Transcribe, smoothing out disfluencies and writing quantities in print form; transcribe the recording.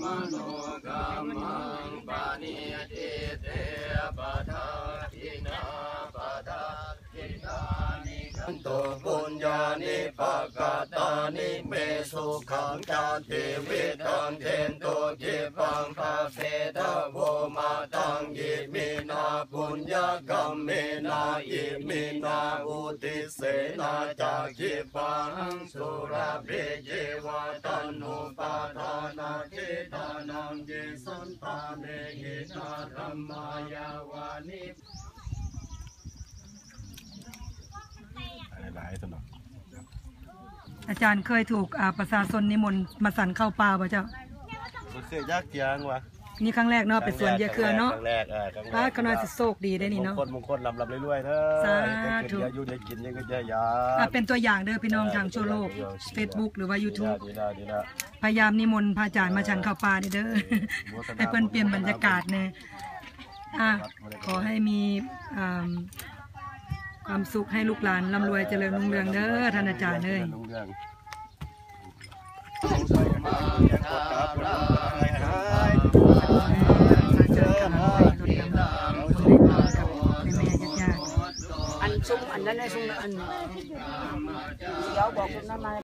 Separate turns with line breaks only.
โนกัมมังปานิจิเตปะทาทินาปะทาทินานิขันโตปุญญานิปะกาตานิเมสุขังจาติวิตังเทนโตจิปังภาเสทะโวมาตังยิมินาปุญญกรรมเมนาอิมินาอุติเสนาจากขิปังสุราเบเยวาตันนุปาทานาทิตานังเยสันตาเนหินาธรรมายาวานิ
หลายสนอง
อาจารย์เคยถูกประชาชนนิมนต์มาสั่นเข้าป่าป่ะเจ้า
มันเคยยากเจียงวะ
นี่ครั้งแรกเนาะไปสวนยาเครือเนาะ
ครั้งแรก
พระก็น่าจะโชคดีได้นี่เนาะ
มงคลลำเรื่อยๆเถอะ
สาธุ
อยู่ได้กินยังก็จะยา
เป็นตัวอย่างเด้อพี่น้องทางทั่วโลก Facebook หรือว่า YouTube พยายามนิมนต์พระอาจารย์มาฉันเข้าป่าเด้อให้เพิ่นเปลี่ยนบรรยากาศแน่ขอให้มีความสุขให้ลูกหลานร่ำรวยเจริญรุ่งเรืองเด้อท่านอาจารย์เอ้ย
อันซุ้มอันนั้นไอ้ซุ้มอันเดี๋ยวบอกคุณนั่นมา